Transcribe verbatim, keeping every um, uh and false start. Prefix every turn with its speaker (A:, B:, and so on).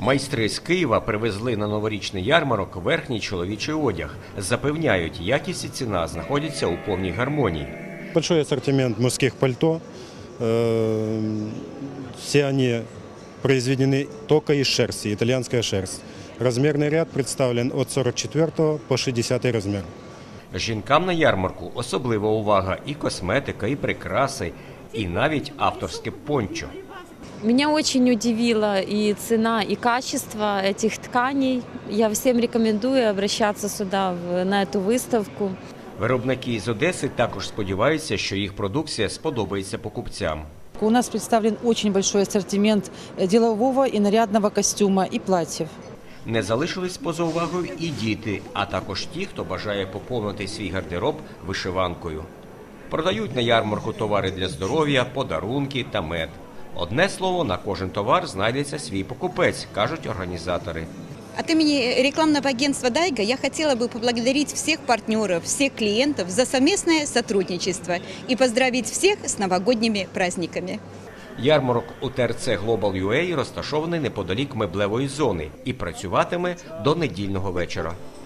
A: Майстри з Києва привезли на новорічний ярмарок верхній чоловічий одяг. Запевняють, якість і ціна знаходяться у повній гармонії.
B: Большой ассортимент мужских пальто. Все они произведены только из шерсти, итальянская шерсть. Размерный ряд представлен от сорок четвёртого по шестидесятый размер.
A: Жінкам на ярмарку особлива увага – і косметика, і прикраси, і навіть авторське пончо.
C: Меня очень удивила и цена, и качество этих тканей. Я всем рекомендую обращаться сюда, на эту выставку.
A: Виробники із Одеси також сподіваються, що їх продукція сподобається покупцям.
D: У нас представлен очень большой ассортимент делового и нарядного костюма и платьев.
A: Не залишились поза увагою і діти, а також ті, хто бажає поповнити свій гардероб вишиванкою. Продають на ярмарку товари для здоров'я, подарунки та мед. Одне слово, на кожен товар знайдеться свій покупець, кажуть організатори.
E: От имени рекламного агентства «Дайга» я хотела бы поблагодарить всех партнеров, всех клиентов за совместное сотрудничество и поздравить всех с новогодними праздниками.
A: Ярмарок у ТРЦ Global ю ей розташований неподалік меблевої зони і працюватиме до недільного вечора.